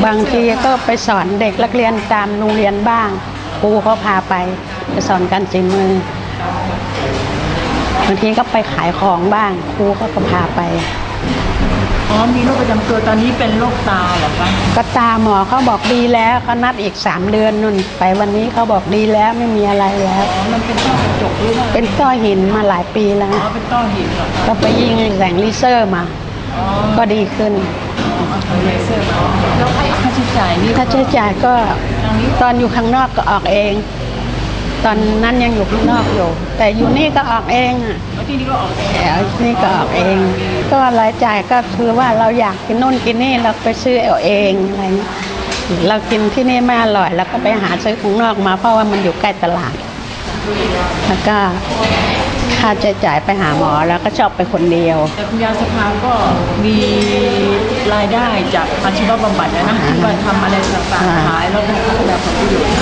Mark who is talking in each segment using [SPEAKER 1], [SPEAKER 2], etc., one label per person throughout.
[SPEAKER 1] บางทีก็ไปสอนเด็กนักเรียนตามโรงเรียนบ้างครูเขาพาไปสอนการฝีมือบางทีก็ไปขายของบ้างครูก็พาไป
[SPEAKER 2] มีโรคประจำตัวตอนนี้เป็นโรคตาเหรอคะ
[SPEAKER 1] ก็ตาหมอเขาบอกดีแล้วเขานัดอีก3 เดือนนู่นไปวันนี้เขาบอกดีแล้วไม่มีอะไรแล้ว
[SPEAKER 2] มันเป็นต้อกระจกหรือว่า
[SPEAKER 1] เป็นต้อหินมาหลายปีแล้ว
[SPEAKER 2] เป็นต้อหินเหรอ
[SPEAKER 1] ก็ไปยิงแสงเลเซอร์มาก็ดีขึ้น
[SPEAKER 2] เลเซอร์มาแล้วค่าใช้จ่ายนี่
[SPEAKER 1] ค่าใช้จ่ายก็ตอนอยู่ข้างนอกก็ออกเองตอนนั้นยังอยู่ข้างนอกอยู่แต่อยู่นี่ก็ออกเองอ่ะ
[SPEAKER 2] ที่นี่ก็ออกเอง
[SPEAKER 1] นี่ก็ออกเองก็รายจ่ายก็คือว่าเราอยากกินนู่นกินนี่เราไปซื้อเอาเองอะไรเรากินที่นี่ไม่อร่อยเราก็ไปหาซื้อข้างนอกมาเพราะว่ามันอยู่ใกล้ตลาดแล้วก็ค่าใช้จ่ายไปหาหมอแล้วก็ชอบไปคนเดียว
[SPEAKER 2] แต่คุณยายสภาก็มีรายได้จากอาชีวบำบัดนะที่ว่าทำอะไรต่างๆขายแล้วก็แบบผลประโยชน์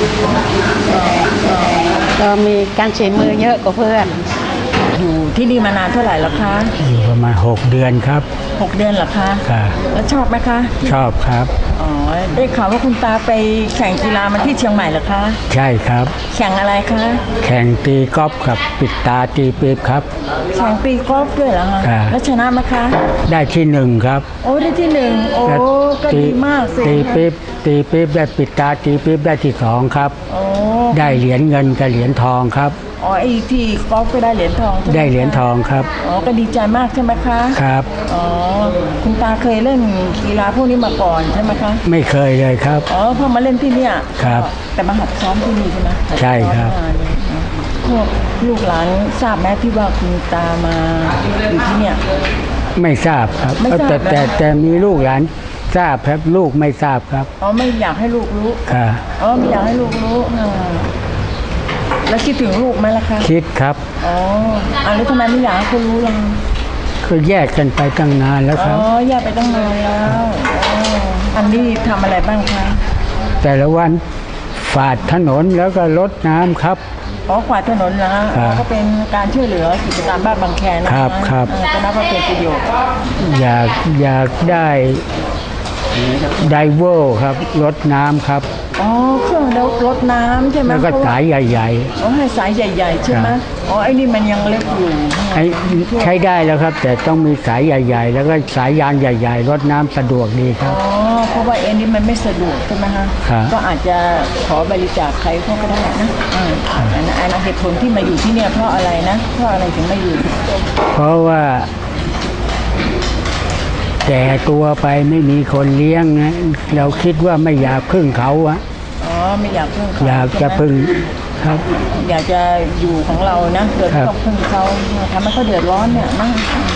[SPEAKER 1] ก็มีการใช้มือเยอะกว่าเพื่อน
[SPEAKER 2] อยู่ที่นี่มานานเท่าไหร่แล้วคะ
[SPEAKER 3] อยู่ประมาณ6 เดือนครับ
[SPEAKER 2] 6 เดือนเหรอคะ
[SPEAKER 3] ค่ะ
[SPEAKER 2] แล้วชอบไหมคะ
[SPEAKER 3] ชอบครับ
[SPEAKER 2] ได้ข่าวว่าคุณตาไปแข่งกีฬามาที่เชียงใหม่เหรอคะ
[SPEAKER 3] ใช่ครับ
[SPEAKER 2] แข่งอะไรคะ
[SPEAKER 3] แข่งตีกอล์ฟกับปิดตาตีปี๊บครับ
[SPEAKER 2] แข่งตีกอล์ฟด้วยเหรอคะแล้วชนะไหมคะ
[SPEAKER 3] ได้ที่1ครับ
[SPEAKER 2] โอ้ได้ที่1โอ้ก็ดีมากสิ
[SPEAKER 3] ตีปี๊บได้ปิดตาตีปี๊บได้ที่2ครับได้เหรียญเงินกับเหรียญทองครับ
[SPEAKER 2] ไอ้ที่กอล์ฟก็ได้เหรียญทอง
[SPEAKER 3] ได้เหรียญทองครับ
[SPEAKER 2] ก็ดีใจมากใช่ไหมคะ
[SPEAKER 3] ครับ
[SPEAKER 2] คุณตาเคยเล่นกีฬาพวกนี้มาก่อนใช่ไหมคะ
[SPEAKER 3] ไม่เคยเลยครับ
[SPEAKER 2] พอมาเล่นที่นี่
[SPEAKER 3] ครับ
[SPEAKER 2] แต่มาหัดซ้อมที่นี่ใช่ไหม
[SPEAKER 3] ใช่ครับ
[SPEAKER 2] พวกลูกหลานทราบไหมที่ว่าคุณตามาอยู่ที่เนี่ย
[SPEAKER 3] ไม่ทราบครับแต่มีลูกหลานทราบครับลูกไม่ทราบครับ
[SPEAKER 2] ไม่อยากให้ลูกรู้
[SPEAKER 3] ครับ
[SPEAKER 2] ไม่อยากให้ลูกรู้แล้วคิดถึงลูกไหมล่ะคะ
[SPEAKER 3] คิดครับ
[SPEAKER 2] แล้วทำไมไม่อยากให้เขารู้ล่ะ
[SPEAKER 3] คือแยกกันไปตั้งนานแล้วครับ
[SPEAKER 2] แยกไปตั้งนานแล้วอันนี้ทำอะไรบ้างคะ
[SPEAKER 3] แต่ละวันฝาดถนนแล้วก็รดน้ำครับ
[SPEAKER 2] ขวาดถนนนะก็เป็นการช่วยเหลือกิจการบ้านบางแค
[SPEAKER 3] นะครับ
[SPEAKER 2] ก็นับว่าเป็นประโยชน์
[SPEAKER 3] อยากได้ไดเวอร์ครับรดน้ำครับ
[SPEAKER 2] เครื่องรดน้ำใช่ไหม
[SPEAKER 3] แล้วก็สายใหญ่
[SPEAKER 2] ๆให้สายใหญ่ๆใช่ไหมไอ้นี่มันยังเล็กอยู่
[SPEAKER 3] ใช้ได้แล้วครับแต่ต้องมีสายใหญ่ๆแล้วก็สายยางใหญ่ๆรดน้ำสะดวกดีครับ
[SPEAKER 2] เพราะว่าเอ็นนี่มันไม่สะดวกใช่ไหมคะก็อาจจะขอบริจาคใครเขาก็ได้นะอันเหตุผลที่มาอยู่ที่เนี่ยเพราะอะไรนะเพราะอะไรถึงมาอยู่
[SPEAKER 3] เพราะว่าแก่ตัวไปไม่มีคนเลี้ยงนะเราคิดว่าไม่อยากพึ่งเขา
[SPEAKER 2] ไม่อยากพึ่งเขา
[SPEAKER 3] อยากจะพึ่งครับ
[SPEAKER 2] อยากจะอยู่ของเรานะเกิดต้องพึ่งเขาทำให้เขาเดือดร้อนเนี่ยนะ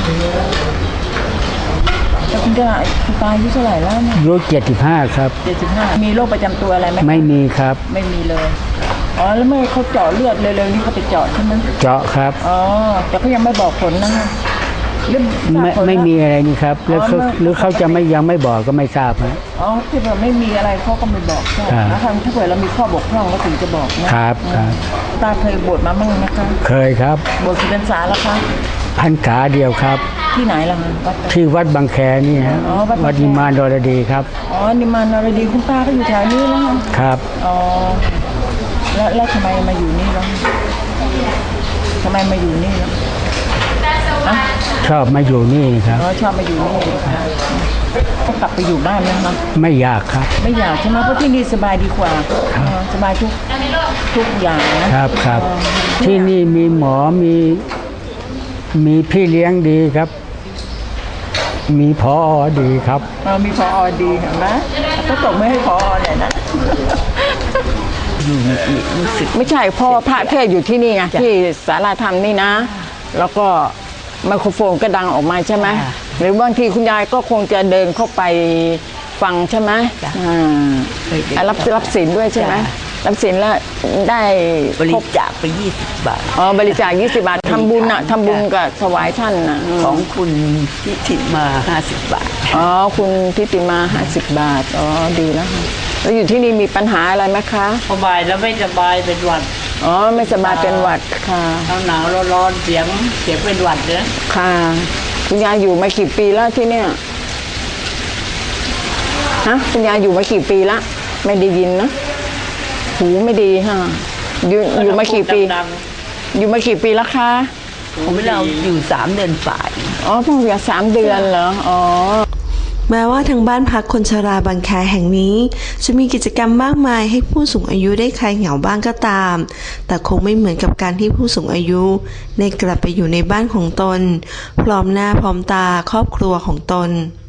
[SPEAKER 2] แต่คุณตาอายุเท่าไหร่แล้วเนี่ย
[SPEAKER 3] อายุ75ครับ
[SPEAKER 2] 75มีโรคประจำตัวอะไรไหม
[SPEAKER 3] ไม่มีครับ
[SPEAKER 2] ไม่มีเลยแล้วไม่เขาเจาะเลือดเร็วๆนี่เขาไปเจาะใช่ไหม
[SPEAKER 3] เจาะครับ
[SPEAKER 2] แต่เขายังไม่บอกผลนะ
[SPEAKER 3] ไม่มีอะไรนี่ครับหรือเขาจะยังไม่บอกก็ไม่ทราบนะ
[SPEAKER 2] ที่เราไม่มีอะไรเขาก็ไม่บอกใช่แล้วถ้าเกิดเรามีข้อบกพร่องก็ถึงจะบอก
[SPEAKER 3] นะครับ
[SPEAKER 2] ตาเคยบวชมาบ้างไหมคะ
[SPEAKER 3] เคยครับ
[SPEAKER 2] บวชกี่พรรษาแล้วคะ
[SPEAKER 3] พรรษาเดียวครับ
[SPEAKER 2] ที่ไหนล่ะ
[SPEAKER 3] ที่วัดบางแคนี่ฮะวัดนิมานนรดีครับ
[SPEAKER 2] นิมานนรดีคุณตาก็อยู่แถวนี้แล้ว
[SPEAKER 3] ครับ
[SPEAKER 2] แล้วทำไมมาอยู่นี่แล้วทำไมมาอยู่นี่แล้ว
[SPEAKER 3] ชอบมาอยู่นี่ครับ
[SPEAKER 2] ชอบมาอยู่นี่ก็กลับไปอยู่บ้านนะคะ
[SPEAKER 3] ไม่อยากครับ
[SPEAKER 2] ไม่อยากใช่ไหมเพราะที่นี่สบายดีกว่าสบายทุกอย่าง
[SPEAKER 3] นะครับที่นี่มีหมอมีพี่เลี้ยงดีครับมีผอ.ดีครับ
[SPEAKER 2] มีผอ.ดีเห็นไหมก็ตกไม่ให้ผอ.เนี่ยนะไม่ใช่พ่อพระเทศอยู่ที่นี่ไงที่ศาลาธรรมนี่นะแล้วก็ไมโครโฟนก็ดังออกมาใช่ไหมหรือบางทีคุณยายก็คงจะเดินเข้าไปฟังใช่ไหมรับศีลด้วยใช่ไหมรับศีลแล้วได้
[SPEAKER 1] บริจาคไป20 บาท
[SPEAKER 2] บริจาค20 บาททำบุญทำบุญกับถวายท่าน
[SPEAKER 1] ของคุณทิติมา50 บาท
[SPEAKER 2] คุณทิติมา50 บาทดีแล้วค่ะแล้วอยู่ที่นี่มีปัญหาอะไรไหมคะ
[SPEAKER 1] สบายแล้วไม่สบายเป็นหวัด
[SPEAKER 2] ไม่สบายเป็นหวัดค่ะ
[SPEAKER 1] หนาวร้อนเสียงเป็นหวัดเนอะ
[SPEAKER 2] ค่ะคุณยายอยู่มากี่ปีแล้วที่เนี่ยฮะคุณยายอยู่มากี่ปีละไม่ได้ยินนะหูไม่ดีฮะอยู่มากี่ปีอยู่มากี่ปีแล้วคะ
[SPEAKER 4] ของเราอยู่3 เดือนฝ่าย
[SPEAKER 2] อ๋อเพิ่งอยู่3 เดือนเหรออ๋อ
[SPEAKER 5] แม้ว่าทางบ้านพักคนชราบางแคแห่งนี้จะมีกิจกรรมมากมายให้ผู้สูงอายุได้คลายเหงาบ้างก็ตาม แต่คงไม่เหมือนกับการที่ผู้สูงอายุได้กลับไปอยู่ในบ้านของตนพร้อมหน้าพร้อมตาครอบครัวของตน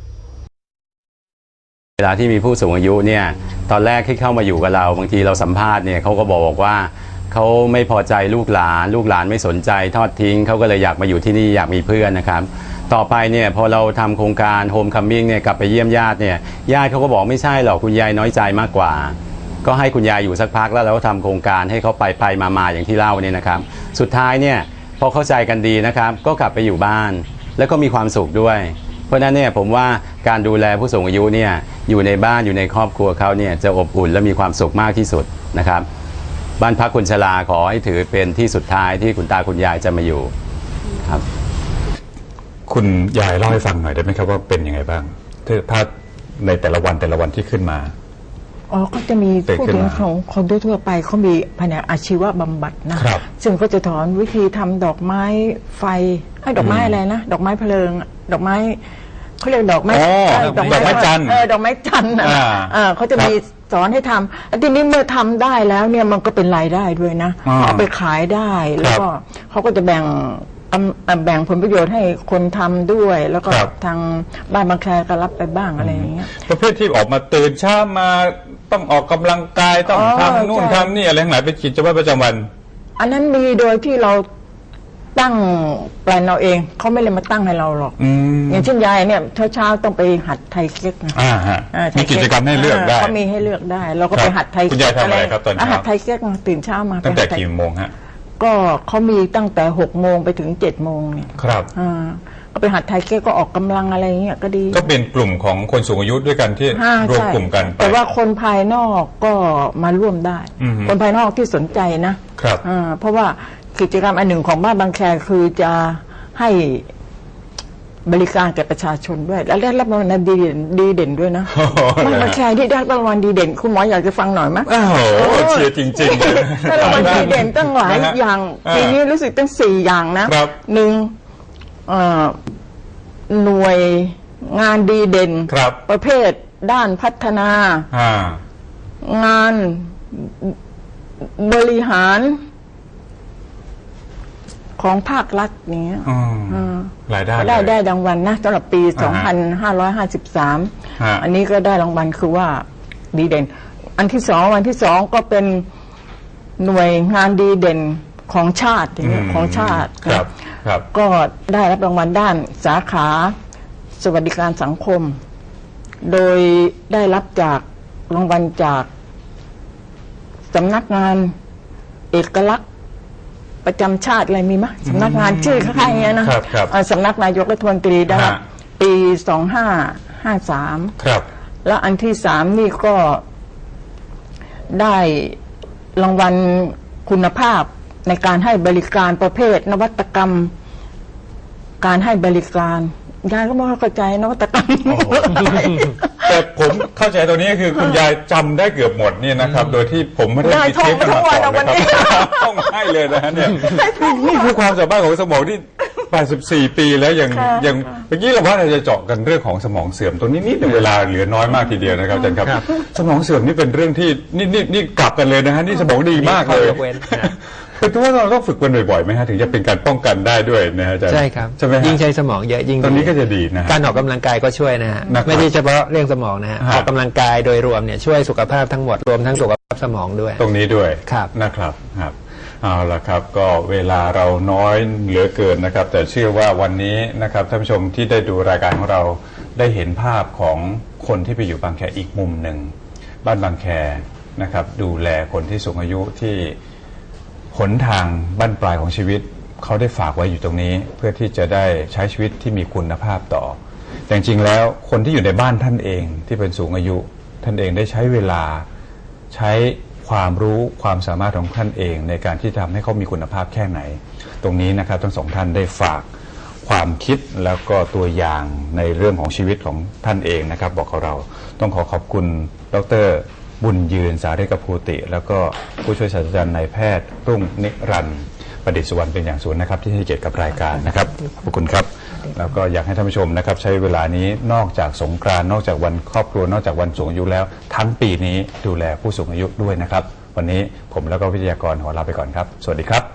[SPEAKER 6] เวลาที่มีผู้สูงอายุเนี่ยตอนแรกที่เข้ามาอยู่กับเราบางทีเราสัมภาษณ์เนี่ยเขาก็บอกว่าเขาไม่พอใจลูกหลานไม่สนใจทอดทิ้งเขาก็เลยอยากมาอยู่ที่นี่อยากมีเพื่อนนะครับต่อไปเนี่ยพอเราทำโครงการโฮมคัมมิ่งเนี่ยกลับไปเยี่ยมญาติเนี่ยญาติเขาก็บอกไม่ใช่หรอกคุณยายน้อยใจมากกว่าก็ให้คุณยายอยู่สักพักแล้วเราก็ทำโครงการให้เขาไปมาอย่างที่เล่าเนี่ยนะครับสุดท้ายเนี่ยพอเข้าใจกันดีนะครับก็กลับไปอยู่บ้านแล้วก็มีความสุขด้วยเพราะฉะนั้นเนี่ยผมว่าการดูแลผู้สูงอายุเนี่ยอยู่ในบ้านอยู่ในครอบครัวเขาเนี่ยจะอบอุ่นและมีความสุขมากที่สุดนะครับบ้านพักคนชราขอให้ถือเป็นที่สุดท้ายที่คุณตาคุณยายจะมาอยู่ครับ
[SPEAKER 7] คุณยายเล่าให้ฟังหน่อยได้ไหมครับว่าเป็นยังไงบ้างถ้าในแต่ละวันที่ขึ้นมา
[SPEAKER 2] อ๋อก็จะมี
[SPEAKER 7] เด็ก
[SPEAKER 2] ผู้
[SPEAKER 7] ขึ้น
[SPEAKER 2] ถึง
[SPEAKER 7] มา
[SPEAKER 2] ของคนทั่วๆไปเขามีแผนกอาชีวบำบัดนะครับ ซึ่งก็จะสอนวิธีทำดอกไม้ไฟดอกไม้อะไรนะดอกไม้เพลิงดอกไม้เขาเรียกดอกไม้
[SPEAKER 7] อ๋อ
[SPEAKER 2] ดอก
[SPEAKER 7] ดอกไม้จันทร์
[SPEAKER 2] ดอกไม้จันทร์นะ เขาจะมีสอนให้ทำแล้วทีนี้เมื่อทำได้แล้วเนี่ยมันก็เป็นรายได้ด้วยนะ เอาไปขายได้แล้วก็เขาก็จะแบ่งผลประโยชน์ให้คนทำด้วย แล้วก็ทางบ้านบางแคก็รับไปบ้างอะไรอย่างเงี้ย
[SPEAKER 7] ประเภทที่ออกมาตื่นเช้ามาต้องออกกำลังกายต้องทำนู่น
[SPEAKER 2] ใช่
[SPEAKER 7] ทำนี่อะไรทั้งหลายเป็นกิจวัตรประจำวัน
[SPEAKER 2] อันนั้นมีโดยที่เราตั้งแปลนเราเองเขาไม่เลยมาตั้งให้เราหรอกอย่างเช่นยายเนี่ยเช้าต้องไปหัดไทยเก๊กนะ
[SPEAKER 7] ฮะ
[SPEAKER 2] ไท
[SPEAKER 7] มี
[SPEAKER 2] ย
[SPEAKER 7] กิจกรรมให้เลือกได้
[SPEAKER 2] เขามีให้เลือกได้ เราก็ไปหัดไทย
[SPEAKER 7] คุณยายทำอะไรครับตอนเช้า
[SPEAKER 2] หัดไทยเก๊กตื่นเช้ามา
[SPEAKER 7] ตั้งแต่
[SPEAKER 2] ไปหัดไทย
[SPEAKER 7] กี่โมงฮะ
[SPEAKER 2] ก็เขามีตั้งแต่6 โมงไปถึง7 โมงเนี่ย
[SPEAKER 7] ครับ
[SPEAKER 2] ก็ไปหัดไทยเก๊กก็ออกกำลังอะไรอย่างเงี้ยก็ดี
[SPEAKER 7] ก็เป็นกลุ่มของคนสูงอายุด้วยกันที่รวม
[SPEAKER 2] ใช่
[SPEAKER 7] กลุ่มกันไป
[SPEAKER 2] แต่ว่าคนภายนอกก็มาร่วมได้ คนภายนอกที่สนใจนะครับ เพราะว่ากิจกรรมอันหนึ่งของบ้านบางแคคือจะให้บริการแก่ประชาชนด้วย และได้รับรางวัลดีเด่นด้วยนะบ้านบางแคที่ได้รางวัลดีเด่นคุณหมออยากจะฟังหน่อยไหม
[SPEAKER 7] อ้าวเชียร์จริงๆเลย
[SPEAKER 2] ได้รางวัลดีเด่นตั้งหลาย
[SPEAKER 7] นะฮะ
[SPEAKER 2] อย่างปีนี้รู้สึกตั้ง4 อย่างนะครับ หนึ่งหน่วยงานดีเด่น
[SPEAKER 7] ครับ
[SPEAKER 2] ประเภทด้านพัฒนา งานบริหารของภาครัฐเนี้ย
[SPEAKER 7] รายได้
[SPEAKER 2] ได้รางวัลนะสำหรับปี
[SPEAKER 7] ฮะ
[SPEAKER 2] 2553 อันนี้ก็ได้รางวัลคือว่าดีเด่น อันที่สองก็เป็นหน่วยงานดีเด่นของชาติอย่างเงี้ยของชาติ
[SPEAKER 7] ครับ
[SPEAKER 2] ก็ได้รับรางวัลด้านสาขาสวัสดิการสังคม โดยได้รับจากรางวัลจากสำนักงานเอกลักษณ์ประจำชาติอะไรมีไหมสำนักงานชื่อคล้ายๆอย่างเงี้ยนะครับ สำนักนายกรัฐมนตรีได้รับปี 2553
[SPEAKER 7] ครับ
[SPEAKER 2] แล้วอันที่3นี่ก็ได้รางวัลคุณภาพในการให้บริการประเภทนวัตกรรม การให้บริการยายก็ไม่เข้าใจนวัตกรรม
[SPEAKER 7] แต่ผมเข้าใจตรงนี้คือคุณยายจำได้เกือบหมดเนี่ยนะครับ โดยที่ผมไม่ได้มีเทปกันมาก่อนนะครับต้องให้เลยนะฮะเนี่ยนี่คือความสามารถของสมองที่ 84 ปีแล้วยังเมื่อกี้เราว่าเราจะเจาะกันเรื่องของสมองเสื่อมตรงนี้นิดหนึ่งเวลาเหลือน้อยมากทีเดียวนะครับอาจารย์ครับ สมองเสื่อมนี่เป็นเรื่องที่นี่กลับกันเลยนะฮะนี่สมองดีมากเลยเป็นตัวเราต้องฝึกกันบ่อยๆไหมฮะถึงจะเป็นการป้องกันได้ด้วยนะฮะอาจารย์
[SPEAKER 8] ใช่ครับ
[SPEAKER 7] ใช่ไหมฮะ
[SPEAKER 8] ยิ่งใช้สมองเยอะยิ่ง
[SPEAKER 7] ตอนนี้ก็จะดีนะฮะ
[SPEAKER 8] การออกกำลังกายก็ช่วยนะฮะ
[SPEAKER 7] นะครับ
[SPEAKER 8] ไม่ใช่เฉพาะเรื่องสมองนะฮะ
[SPEAKER 7] ฮะ
[SPEAKER 8] ออกกำลังกายโดยรวมเนี่ยช่วยสุขภาพทั้งหมดรวมทั้งสุขภาพสมองด้วย
[SPEAKER 7] ตรงนี้ด้วย
[SPEAKER 8] ครับ
[SPEAKER 7] นะครับเอาละครับก็เวลาเราน้อยเหลือเกินนะครับ แต่เชื่อว่าวันนี้นะครับท่านผู้ชมที่ได้ดูรายการของเราได้เห็นภาพของคนที่ไปอยู่บางแคอีกมุมหนึ่งบ้านบางแคนะครับดูแลคนที่สูงอายุที่หนทางบั้นปลายของชีวิตเขาได้ฝากไว้อยู่ตรงนี้ เพื่อที่จะได้ใช้ชีวิตที่มีคุณภาพต่อแต่จริงๆแล้วคนที่อยู่ในบ้านท่านเองที่เป็นสูงอายุท่านเองได้ใช้เวลาใช้ความรู้ความสามารถของท่านเองในการที่ทำให้เขามีคุณภาพแค่ไหน ตรงนี้นะครับทั้งสองท่านได้ฝากความคิดแล้วก็ตัวอย่างในเรื่องของชีวิตของท่านเองนะครับบอกกับเราต้องขอบคุณดร.บุญยืนสาริกภูติ แล้วก็ผู้ช่วยศาสตราจารย์นายแพทย์รุ่งนิรันดร์ประดิษฐ์สุวรรณเป็นอย่างสูงนะครับที่ให้เกียรติกับรายการนะครับขอบคุณครับแล้วก็อยากให้ท่านผู้ชมนะครับใช้เวลานี้นอกจากสงกรานต์นอกจากวันครอบครัวนอกจากวันสูงอายุแล้วทั้งปีนี้ดูแลผู้สูงอายุด้วยนะครับวันนี้ผมแล้วก็วิทยากรขอลาไปก่อนครับสวัสดีครับ